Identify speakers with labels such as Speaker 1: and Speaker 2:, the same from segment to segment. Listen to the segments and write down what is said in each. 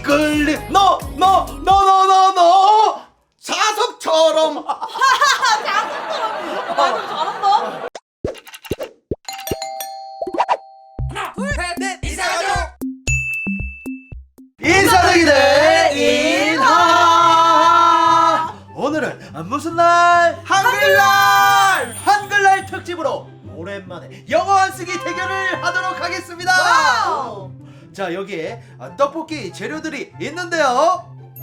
Speaker 1: 끌림 너
Speaker 2: 자석처럼.
Speaker 3: 자석처럼. 말 좀 잘한다.
Speaker 1: 인사드기들 인하. 오늘은 무슨 날? 한글날 특집으로 오랜만에 영어 안쓰기 대결을 하도록 하겠습니다.
Speaker 3: 와우.
Speaker 1: 자, 여기에 떡볶이 재료들이 있는데요.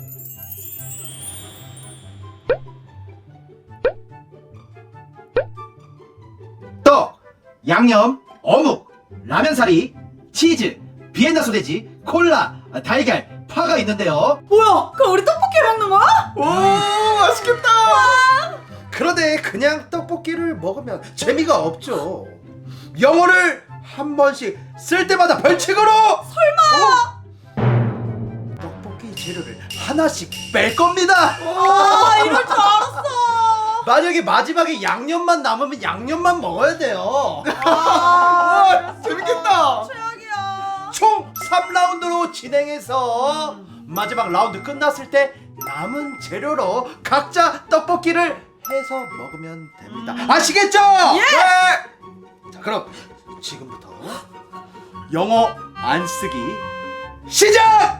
Speaker 1: 떡, 양념, 어묵, 라면사리, 치즈, 비엔나 소세지, 콜라, 달걀, 파가 있는데요.
Speaker 3: 뭐야? 그럼 우리 떡볶이 먹는 거야?
Speaker 2: 오, 맛있겠다.
Speaker 1: 그런데 그냥 떡볶이를 먹으면 재미가 없죠. 영어를 한 번씩 쓸 때마다 벌칙으로. 설마. 떡볶이 재료를 하나씩 뺄 겁니다.
Speaker 3: 아, 이럴 줄 알았어.
Speaker 1: 만약에 마지막에 양념만 남으면 양념만 먹어야 돼요.
Speaker 3: 아,
Speaker 2: 재밌겠다.
Speaker 3: 최악이야.
Speaker 1: 총 3라운드로 진행해서 마지막 라운드 끝났을 때 남은 재료로 각자 떡볶이를 해서 먹으면 됩니다. 아시겠죠?
Speaker 3: 예!
Speaker 1: 네! 자, 그럼 지금부터 영어 안 쓰기 시작!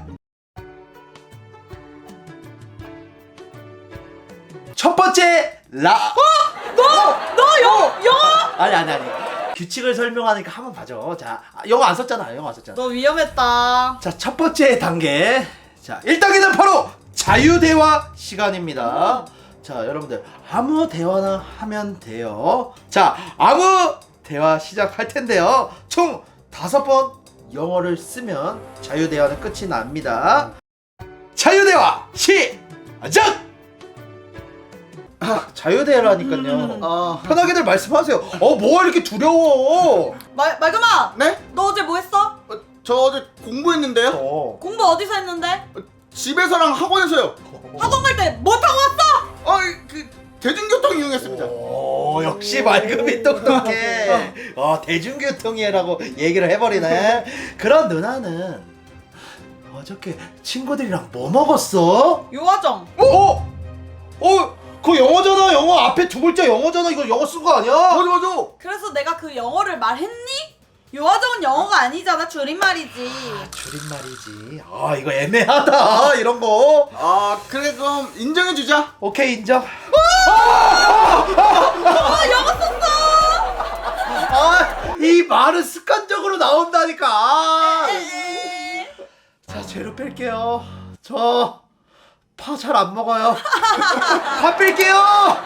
Speaker 1: 첫 번째
Speaker 3: 너 영어?
Speaker 1: 아니 규칙을 설명하니까 한번 봐줘. 자, 영어 안 썼잖아.
Speaker 3: 너 위험했다.
Speaker 1: 자, 첫 번째 단계. 자, 1단계는 바로 자유대화 시간입니다. 자, 여러분들 아무 대화나 하면 돼요. 자, 아무 대화 시작할 텐데요. 총 5번 영어를 쓰면 자유대화는 끝이 납니다. 자유대화 시작! 자유대화라니까요. 편하게들 말씀하세요. 뭐가 이렇게 두려워?
Speaker 3: 말금아.
Speaker 2: 네?
Speaker 3: 너 어제 뭐 했어?
Speaker 2: 저 어제 공부했는데요.
Speaker 3: 공부 어디서 했는데?
Speaker 2: 집에서랑 학원에서요.
Speaker 3: 학원 갈 때 뭐 타고 왔어?
Speaker 2: 그 대중교통 이용했습니다.
Speaker 1: 오, 역시 말금이 똑똑해. 대중교통이라고 얘기를 해버리네. 그런 누나는 어저께 친구들이랑 뭐 먹었어?
Speaker 3: 요화정.
Speaker 1: 그거 영어잖아. 영어 앞에 두 글자 영어잖아. 이거 영어 쓴 거 아니야?
Speaker 2: 맞아.
Speaker 3: 그래서 내가 그 영어를 말했니? 요화정은 영어가 아니잖아. 줄임말이지.
Speaker 1: 줄임말이지. 이거 애매하다. 이런 거.
Speaker 2: 그래 그럼 인정해주자.
Speaker 1: 오케이, 인정.
Speaker 3: 영어 썼어.
Speaker 1: 이 말은 습관적으로 나온다니까. 자, 재료 뺄게요. 저 파 잘 안 먹어요. 파 뺄게요.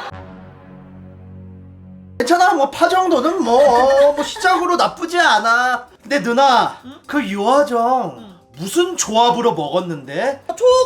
Speaker 1: 괜찮아. 뭐 파 정도는 뭐 시작으로 나쁘지 않아. 근데 누나, 그 유화정 무슨 조합으로 먹었는데?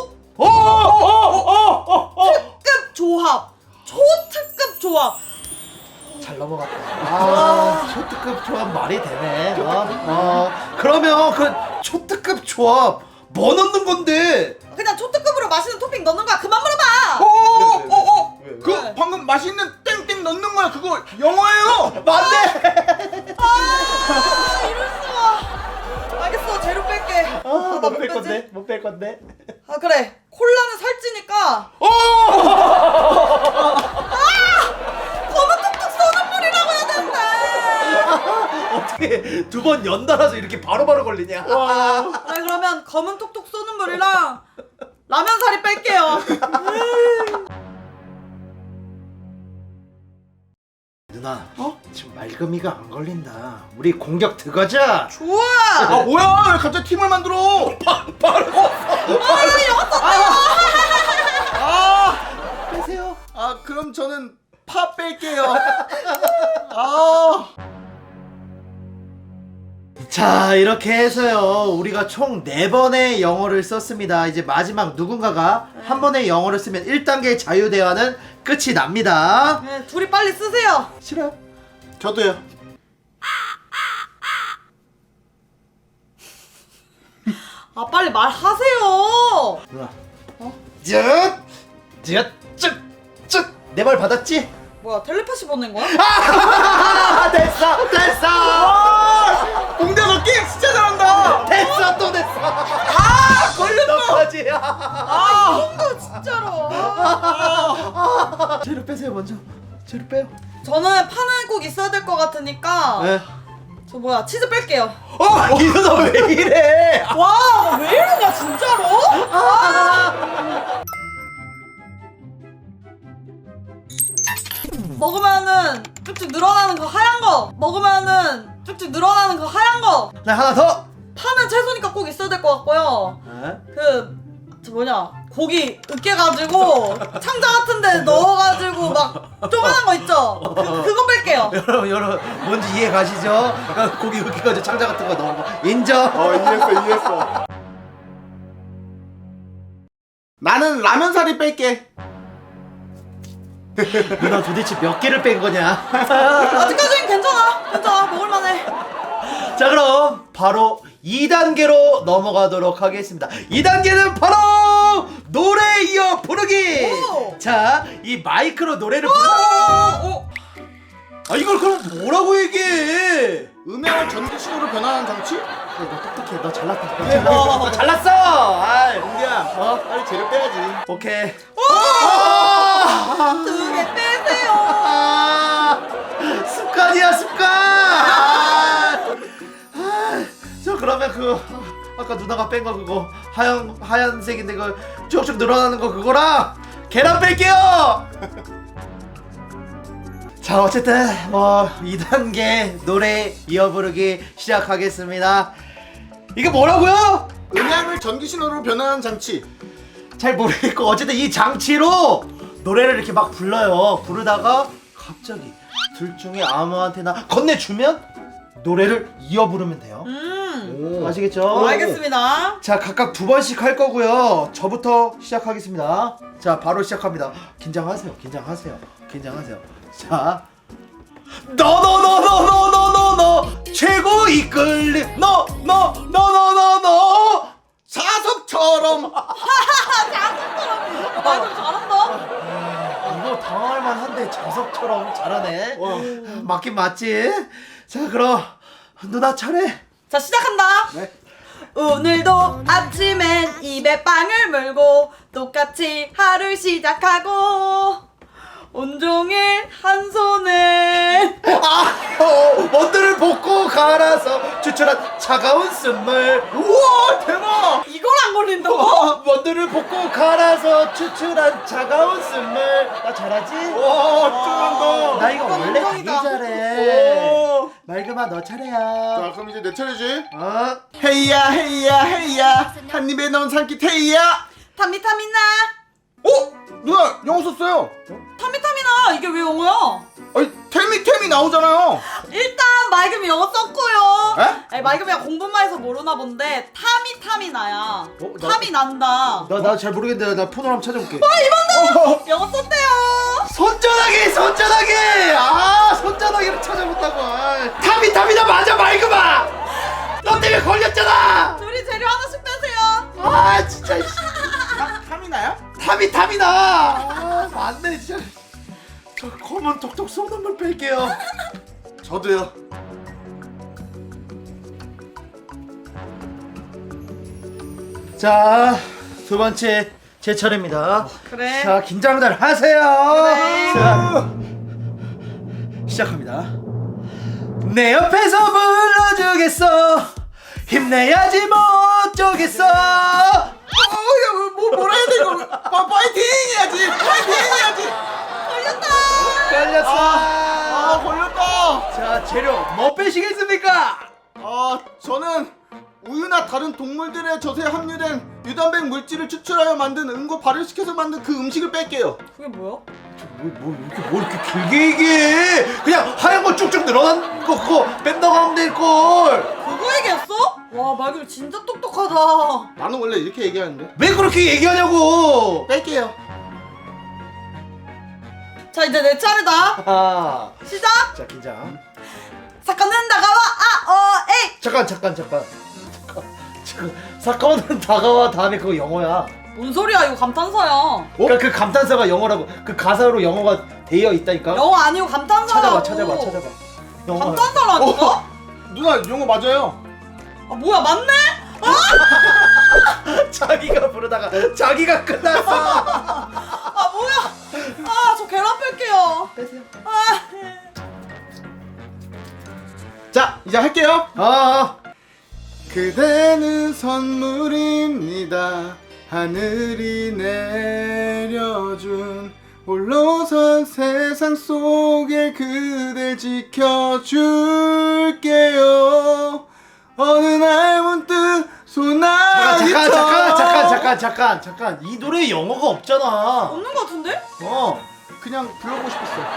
Speaker 3: 특급 조합. 초특급 조합.
Speaker 1: 잘 넘어갔다. 초특급 조합 말이 되네. 그러면 그 초특급 조합 뭐 넣는 건데?
Speaker 3: 그냥 초특급으로 맛있는 토핑 넣는 거야. 그만 물어봐.
Speaker 2: 그
Speaker 3: 네.
Speaker 2: 방금 맛있는 땡땡 넣는 거야. 그거 영어예요.
Speaker 1: 맞네.
Speaker 3: 이럴 수가. 알겠어. 재료 뺄게.
Speaker 1: 못 뺄 건데. 못 뺄 건데.
Speaker 3: 그래. 콜라는 살찌니까. 검은 톡톡 쏘는 물이라고 해야 되는데.
Speaker 1: 어떻게 두 번 연달아서 이렇게 바로바로 걸리냐?
Speaker 3: 그래, 그러면 검은 톡톡 쏘는 물이랑 라면 사리 뺄게요.
Speaker 1: 누나, 지금 말금이가 안 걸린다. 우리 공격 들어가자.
Speaker 3: 좋아.
Speaker 2: 뭐야? 왜 갑자기 팀을 만들어?
Speaker 1: 빼세요.
Speaker 2: 그럼 저는 파 뺄게요.
Speaker 1: 자, 이렇게 해서요, 우리가 총 4번의 영어를 썼습니다. 이제 마지막 누군가가 한 번의 영어를 쓰면 1단계 자유대화는 끝이 납니다.
Speaker 3: 네, 둘이 빨리 쓰세요.
Speaker 1: 싫어요?
Speaker 2: 저도요.
Speaker 3: 빨리 말하세요.
Speaker 1: 누나, 내 말 받았지?
Speaker 3: 뭐야, 텔레파시 보낸 거야?
Speaker 1: 됐어!
Speaker 2: 공대 너 게임 진짜 잘한다.
Speaker 1: 됐어! 또 됐어!
Speaker 2: 걸렸어.
Speaker 1: 재료 빼세요 먼저. 재료 빼요.
Speaker 3: 저는 파는 꼭 있어야 될 것 같으니까
Speaker 1: 네.
Speaker 3: 저 뭐야 치즈 뺄게요.
Speaker 1: 이 누나 왜 이래?
Speaker 3: 와, 왜 이러냐 진짜로? 먹으면은 쭉쭉 늘어나는 거 하얀 거. 먹으면은 쭉쭉 늘어나는 거 하얀 거.
Speaker 1: 네 하나 더.
Speaker 3: 파는 채소니까 꼭 있어야 될 것 같고요.
Speaker 1: 네.
Speaker 3: 저 뭐냐 고기 으깨가지고 창자 같은데 넣어가지고 막 조그만한 거 있죠? 그거 뺄게요.
Speaker 1: 여러분 뭔지 이해 가시죠? 고기 으깨가지고 창자 같은 거 넣은 거 인정.
Speaker 2: 이해했어. 나는 라면사리 뺄게.
Speaker 1: 누나 도대체 몇 개를 뺀 거냐?
Speaker 3: 아직까지는 괜찮아 먹을만해.
Speaker 1: 자 그럼 바로 2단계로 넘어가도록 하겠습니다. 2단계는 바로 노래 이어 부르기.
Speaker 3: 오!
Speaker 1: 자 이 마이크로 노래를 부르. 아 이걸 그럼 뭐라고 얘기해?
Speaker 2: 음향을 전기신호로 변환하는 장치?
Speaker 1: 너 똑똑해. 너 잘났다. 너 잘났어. 아이,
Speaker 2: 야, 빨리 재료 빼야지.
Speaker 1: 오케이.
Speaker 3: 2개 빼세요.
Speaker 1: 습관이야 습관. 저 그러면 아까 누나가 뺀 거 그거 하얀색인데 그 쭉쭉 늘어나는 거 그거랑 계란 뺄게요. 자 어쨌든 뭐 2단계 노래 이어 부르기 시작하겠습니다. 이게 뭐라고요?
Speaker 2: 음향을 전기신호로 변환하는 장치.
Speaker 1: 잘 모르겠고 어쨌든 이 장치로 노래를 이렇게 막 불러요. 부르다가 갑자기 둘 중에 아무한테나 건네주면 노래를 이어 부르면 돼요.
Speaker 2: 오.
Speaker 1: 아시겠죠?
Speaker 3: 알겠습니다.
Speaker 1: 자 각각 2번씩 할 거고요. 저부터 시작하겠습니다. 자 바로 시작합니다. 긴장하세요. 자 너 최고 이끌림 너
Speaker 2: 사석처럼.
Speaker 3: 말좀 잘한다.
Speaker 1: 이거 당할 만한데 자석처럼 잘하네.
Speaker 2: 와.
Speaker 1: 맞긴 맞지. 자 그럼 누나 차례.
Speaker 3: 자 시작한다.
Speaker 2: 네.
Speaker 3: 오늘도 아침엔 입에 빵을 물고 똑같이 하루 시작하고 온종일 한 손에
Speaker 1: 원두를 볶고 갈아서 추출한 차가운 쓴물.
Speaker 2: 우와, 대박.
Speaker 3: 이걸 안 걸린다고?
Speaker 1: 원두를 볶고 갈아서 추출한 차가운 쓴물. 나 잘하지?
Speaker 2: 와, 짱난다.
Speaker 1: 나 이거 원래 되게
Speaker 3: 인정이다.
Speaker 1: 잘해.
Speaker 2: 오.
Speaker 1: 맑음아 너 차례야.
Speaker 2: 자, 그럼 이제 내 차례지.
Speaker 1: 어?
Speaker 2: 헤이야 한 입에 넣은 산기 테이야.
Speaker 3: 타미타미나
Speaker 2: 누나 영어 썼어요.
Speaker 3: 타미타미나 이게 왜 영어야?
Speaker 2: 아니 템이 나오잖아요.
Speaker 3: 일단 맑음이 영어 썼고요.
Speaker 2: 에?
Speaker 3: 아니 맑음이가 공부만 해서 모르나 본데 타미타미나야.
Speaker 1: 나-
Speaker 3: 탐이 난다.
Speaker 1: 나 잘 모르겠는데 나 폰으로 한번 찾아볼게.
Speaker 3: 영어 썼대요.
Speaker 1: 손전화기! 아 손전화기를 찾아본다고. 타미나 맞아 맑음아. 너 때문에 걸렸잖아.
Speaker 3: 둘이 재료 하나씩 빼세요.
Speaker 1: 아 진짜.
Speaker 2: 탐이나요?
Speaker 1: 타미나. 아 맞네 진짜. 저 검은 톡톡 쏘는 물 뺄게요.
Speaker 2: 저도요.
Speaker 1: 자, 두 번째 제 차례입니다.
Speaker 3: 그래.
Speaker 1: 자, 긴장들 하세요.
Speaker 3: 그래.
Speaker 1: 자, 시작합니다. 내 옆에서 불러주겠어. 힘내야지 못 쪼겠어.
Speaker 2: 뭐라 해야 돼 이거? 파이팅 해야지.
Speaker 1: 걸렸어.
Speaker 2: 걸렸다.
Speaker 1: 자, 재료 뭐 빼시겠습니까?
Speaker 2: 저는 우유나 다른 동물들의 젖에 함유된 유단백 물질을 추출하여 만든 응고 발효시켜서 만든 그 음식을 뺄게요.
Speaker 3: 그게 뭐야?
Speaker 1: 뭐 이렇게 길게 얘기해? 그냥 하얀 거 쭉쭉 늘어난 거 그거 뺀다고 하면 될걸.
Speaker 3: 그거 얘기했어? 와 맑음 진짜 똑똑하다.
Speaker 2: 나는 원래 이렇게 얘기하는데.
Speaker 1: 왜 그렇게 얘기하냐고.
Speaker 2: 뺄게요.
Speaker 3: 자 이제 내 차례다.
Speaker 1: 아,
Speaker 3: 시작.
Speaker 1: 자 긴장.
Speaker 3: 사건은 다가와 에이.
Speaker 1: 잠깐. 사건은 다가와 다음에 그거 영어야.
Speaker 3: 뭔 소리야 이거 감탄사야.
Speaker 1: 그러니까 그 감탄사가 영어라고. 그 가사로 영어가 되어 있다니까.
Speaker 3: 영어 아니고 감탄사라고.
Speaker 1: 찾아봐. 영어.
Speaker 3: 감탄사라니까?
Speaker 2: 누나 영어 맞아요.
Speaker 3: 아 뭐야 맞네?
Speaker 1: 자기가 부르다가 자기가 끝났어.
Speaker 3: 아 뭐야? 아 저 계란 튀어.
Speaker 1: 빼세요.
Speaker 3: 아.
Speaker 2: 자, 이제 할게요.
Speaker 1: 아,
Speaker 2: 그대는 선물입니다. 하늘이 내려준 홀로선 세상 속에 그댈 지켜줄게요. 어느 날 문득 소나기처럼.
Speaker 1: 잠깐. 이 노래 영어가 없잖아.
Speaker 3: 없는 것 같은데?
Speaker 2: 그냥 불러보고 싶었어요.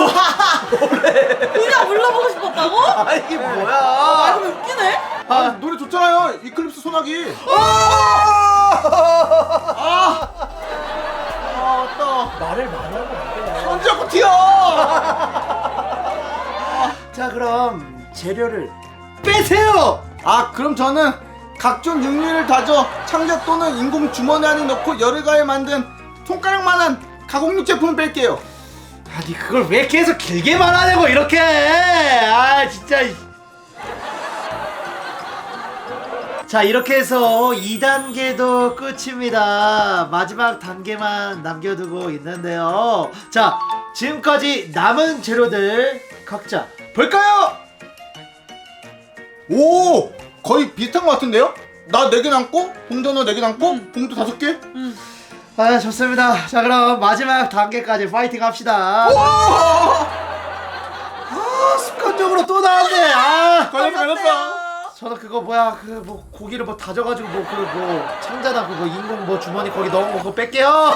Speaker 3: 그냥 불러보고 싶었다고?
Speaker 1: 아, 이게
Speaker 3: 아,
Speaker 1: 뭐야?
Speaker 3: 그럼 웃기네?
Speaker 2: 아, 노래 좋잖아요. 이클립스 소나기.
Speaker 1: 말을 많이 하고 있네.
Speaker 2: 언제 자꾸 튀어?
Speaker 1: 자, 그럼 재료를 빼세요.
Speaker 2: 아, 그럼 저는 각종 육류를 다져 창자 또는 인공 주머니 안에 넣고 열을 만든 손가락만한 가공육 제품을 뺄게요.
Speaker 1: 아니, 그걸 왜 계속 길게 말하냐고 이렇게. 아, 진짜. 자, 이렇게 해서 2단계도 끝입니다. 마지막 단계만 남겨두고 있는데요. 자, 지금까지 남은 재료들 각자 볼까요?
Speaker 2: 오, 거의 비슷한 것 같은데요? 나 4개 남고, 봉전어 4개 남고, 봉투 5개?
Speaker 1: 아, 좋습니다. 자, 그럼 마지막 단계까지 파이팅 합시다. 아, 습관적으로 또 나왔네. 아,
Speaker 2: 걸렸어.
Speaker 1: 저는 그거 뭐야, 그 뭐 고기를 뭐 다져가지고 뭐 그 뭐 창자나 그거 인공 뭐 주머니 거기 넣은 거 그거 뺄게요.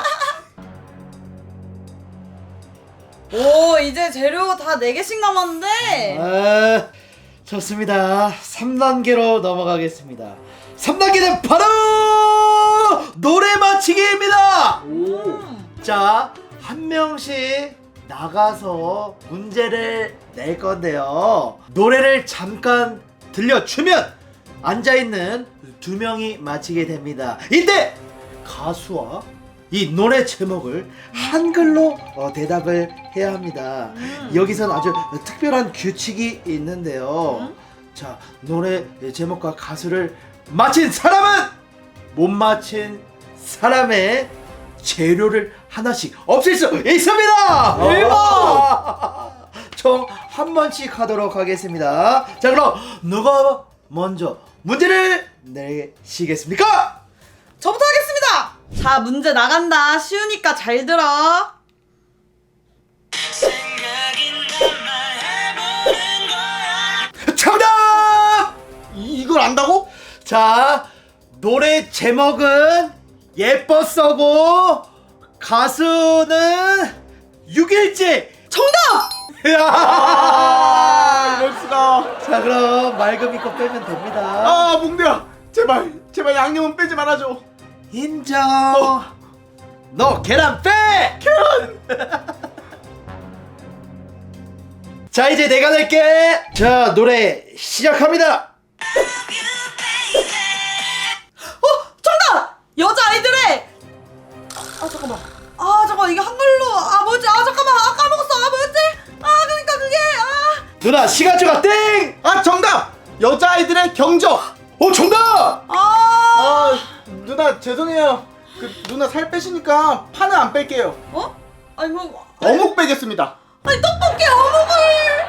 Speaker 3: 오, 이제 재료 다 4개씩 남았는데.
Speaker 1: 아, 좋습니다. 3단계로 넘어가겠습니다. 3단계는 바로 노래 맞히기입니다. 자, 한 명씩 나가서 문제를 낼 건데요. 노래를 잠깐 들려주면 앉아있는 2명이 맞히게 됩니다. 이때 가수와 이 노래 제목을 한글로 대답을 해야 합니다. 여기선 아주 특별한 규칙이 있는데요. 자, 노래 제목과 가수를 맞힌 사람은 못 맞힌 사람의 재료를 하나씩 없앨 수 있습니다.
Speaker 3: 대박!
Speaker 1: 총 한 번씩 하도록 하겠습니다. 자, 그럼 누가 먼저 문제를 내시겠습니까?
Speaker 3: 저부터 하겠습니다. 자, 문제 나간다. 쉬우니까 잘 들어.
Speaker 1: 정답!
Speaker 2: 이걸 안다고?
Speaker 1: 자, 노래 제목은 예뻤어고 가수는 6일째.
Speaker 3: 정답!
Speaker 2: 이럴 수가.
Speaker 1: 자, 그럼 맑음 있고 빼면 됩니다.
Speaker 2: 아, 몽대야. 제발 양념은 빼지 말아줘.
Speaker 1: 인정. 너 계란 빼! 자, 이제 내가 낼게. 자, 노래 시작합니다.
Speaker 3: 정답! 여자아이들의 잠깐만 이게 한글로 뭐지? 잠깐만 까먹었어. 뭐였지? 그러니까 그게
Speaker 1: 누나, 시간초가 땡!
Speaker 2: 아, 정답! 여자아이들의 경적.
Speaker 1: 오, 정답!
Speaker 2: 누나 죄송해요. 누나 살 빼시니까 파는 안 뺄게요.
Speaker 3: 아니 뭐
Speaker 2: 어묵 빼겠습니다.
Speaker 3: 아니 떡볶이 어묵을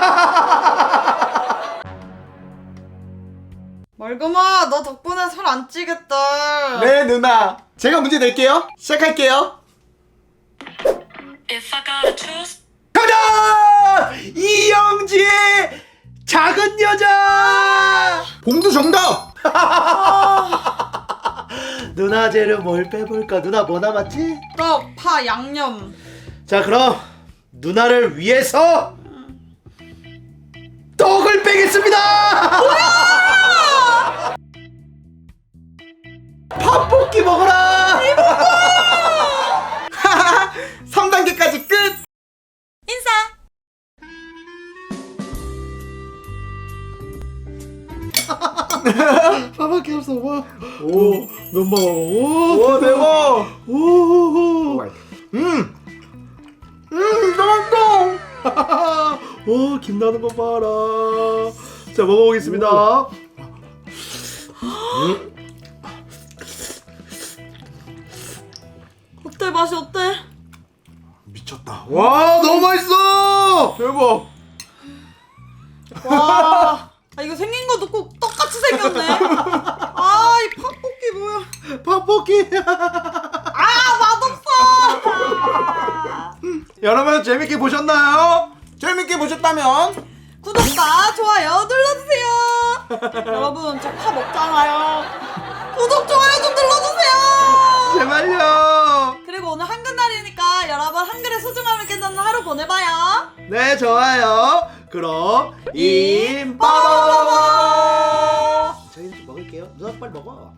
Speaker 3: 말금아, 너 덕분에 살 안 찌겠다.
Speaker 2: 네, 누나. 제가 문제 낼게요. 시작할게요.
Speaker 4: If I gotta choose
Speaker 1: 정답! 이영지의 작은 여자!
Speaker 2: 봉두 정답!
Speaker 1: 누나 재료 뭘 빼볼까? 누나 뭐 남았지?
Speaker 3: 떡, 파, 양념.
Speaker 1: 자, 그럼 누나를 위해서 떡을 빼겠습니다! 팥볶이 먹어라!
Speaker 2: 3단계까지 끝!
Speaker 3: 인사.
Speaker 1: 밥밖에 없어. 와. 오, 면박. 오,
Speaker 2: 오, 대박!
Speaker 1: 오.
Speaker 2: 맛있어!
Speaker 1: 오, 김 나는 거 봐라. 자, 먹어보겠습니다.
Speaker 3: 어때? 맛이 어때?
Speaker 2: 미쳤다.
Speaker 1: 와 너무 맛있어.
Speaker 2: 대박.
Speaker 3: 와. 아, 이거 생긴 것도 꼭 똑같이 생겼네. 아, 이 팥볶이 뭐야?
Speaker 1: 팥볶이.
Speaker 3: 아, 맛없어.
Speaker 1: 여러분 재밌게 보셨나요?
Speaker 2: 재밌게 보셨다면
Speaker 3: 구독과 좋아요 눌러주세요. 여러분, 저 파 먹잖아요. 구독, 좋아요 좀 눌러주세요.
Speaker 1: 제발요.
Speaker 3: 그리고 오늘 한글날이니까 여러분 한글의 소중함을 깨닫는 하루 보내봐요.
Speaker 1: 네 좋아요. 그럼 임빠바바바. 저희는 좀 먹을게요. 누나 빨리 먹어.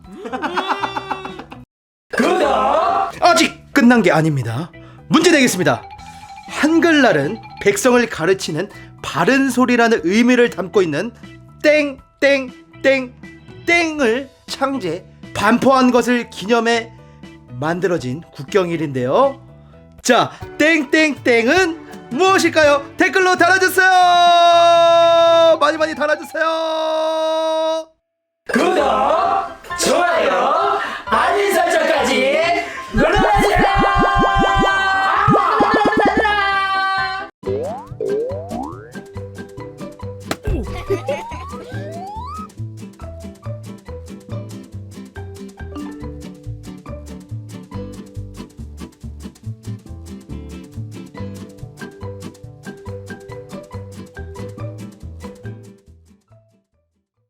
Speaker 1: 아직 끝난 게 아닙니다. 문제 내겠습니다. 한글날은 백성을 가르치는 바른 소리라는 의미를 담고 있는 땡땡땡땡을 창제 반포한 것을 기념해 만들어진 국경일인데요. 자, 땡땡땡은 무엇일까요? 댓글로 달아주세요. 많이 달아주세요.